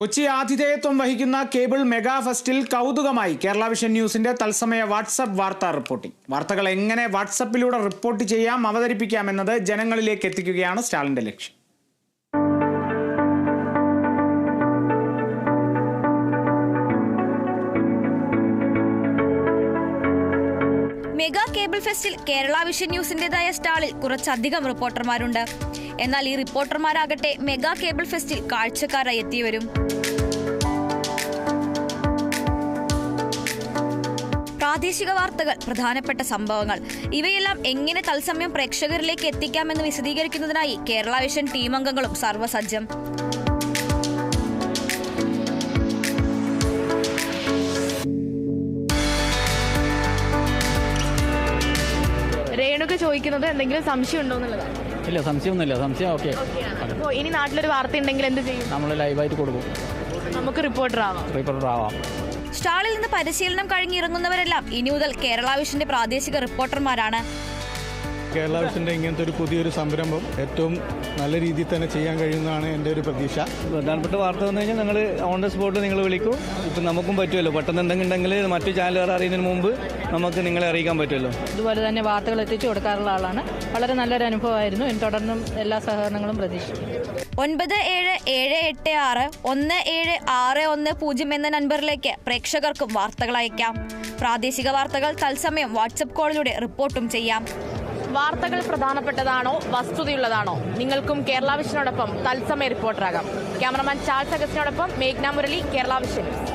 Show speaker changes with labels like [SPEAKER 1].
[SPEAKER 1] കൊച്ചി ആതിഥേയത്വം വഹിക്കുന്ന cable mega ഫെസ്റ്റിൽ കൗതുകമായി കേരള വിഷൻ ന്യൂസിന്റെ തത്സമയ വാട്സ്ആപ്പ് വാർത്താ റിപ്പോർട്ടിംഗ്. വാർത്തകൾ എങ്ങനെ വാട്സ്ആപ്പിലൂടെ റിപ്പോർട്ട് ചെയ്യാം, അവതരിപ്പിക്കാം എന്നത് ജനങ്ങളിലേക്ക് എത്തിക്കുകയാണ് സ്റ്റാളിന്റെ ലക്ഷ്യം.
[SPEAKER 2] മെഗാ കേബിൾ ഫെസ്റ്റിൽ കേരള വിഷൻ ന്യൂസിന്റേതായ സ്റ്റാളിൽ കുറച്ചധികം റിപ്പോർട്ടർമാരുണ്ട്. എന്നാൽ ഈ റിപ്പോർട്ടർമാരാകട്ടെ മെഗാ കേബിൾ ഫെസ്റ്റിൽ കാഴ്ചക്കാരായി എത്തിയവരും. പ്രാദേശിക വാർത്തകൾ, പ്രധാനപ്പെട്ട സംഭവങ്ങൾ, ഇവയെല്ലാം എങ്ങനെ തത്സമയം പ്രേക്ഷകരിലേക്ക് എത്തിക്കാമെന്ന് വിശദീകരിക്കുന്നതിനായി കേരള വിഷൻ ടീം അംഗങ്ങളും സർവ്വസജ്ജം.
[SPEAKER 3] രേണുക ചോദിക്കുന്നത് എന്തെങ്കിലും സംശയം ഉണ്ടോ എന്നുള്ളതാണ്.
[SPEAKER 4] ഇല്ല, സംശയമൊന്നുമില്ല. സംശയം ഓക്കെ.
[SPEAKER 3] അപ്പോൾ ഇനി നാട്ടിലൊരു വാർത്ത ഉണ്ടെങ്കിൽ എന്ത് ചെയ്യും?
[SPEAKER 4] നമ്മൾ ലൈവായിട്ട് കൊടുക്കും.
[SPEAKER 3] നമുക്ക് റിപ്പോർട്ടർ ആവാം.
[SPEAKER 2] സ്റ്റാളിൽ നിന്ന് പരിശീലനം കഴിഞ്ഞിറങ്ങുന്നവരെല്ലാം ഇനി മുതൽ കേരള വിഷന്റെ പ്രാദേശിക റിപ്പോർട്ടർമാരാണ്.
[SPEAKER 5] കേരള വിഷന്റെ ഇങ്ങനത്തെ ഒരു പുതിയൊരു സംരംഭം ഏറ്റവും നല്ല രീതിയിൽ തന്നെ ചെയ്യാൻ കഴിയുന്നതാണ് എൻ്റെ ഒരു പ്രതീക്ഷ.
[SPEAKER 4] പ്രധാനപ്പെട്ട വാർത്ത വന്നു കഴിഞ്ഞാൽ നിങ്ങൾ ഓൺ ദ സ്പോട്ട് നിങ്ങൾ വിളിക്കും. ഇപ്പം നമുക്കും പറ്റുമല്ലോ, പെട്ടെന്ന് എന്തെങ്കിലും മറ്റു ചാനലുകാർ അറിയുന്നതിന് മുമ്പ് നമുക്ക് നിങ്ങളെ അറിയിക്കാൻ പറ്റുമല്ലോ.
[SPEAKER 6] ഇതുപോലെ തന്നെ വാർത്തകൾ എത്തിച്ചു കൊടുക്കാറുള്ള ആളാണ്. വളരെ നല്ലൊരു അനുഭവമായിരുന്നു. തുടർന്നും എല്ലാ സഹകരണങ്ങളും പ്രതീക്ഷിക്കും.
[SPEAKER 2] 9776176110 എന്ന നമ്പറിലേക്ക് പ്രേക്ഷകർക്കും വാർത്തകൾ അയക്കാം. പ്രാദേശിക വാർത്തകൾ തത്സമയം വാട്സ്ആപ്പ് കോളിലൂടെ റിപ്പോർട്ടും ചെയ്യാം.
[SPEAKER 3] വാർത്തകൾ പ്രധാനപ്പെട്ടതാണോ വസ്തുതയുള്ളതാണോ? നിങ്ങൾക്കും കേരള വിഷനോടൊപ്പം തത്സമയ റിപ്പോർട്ടറാകാം. ക്യാമറമാൻ ചാൾസ് അഗസ്റ്റിനോടൊപ്പം മേഘ്ന മുരളി, കേരള വിഷൻ.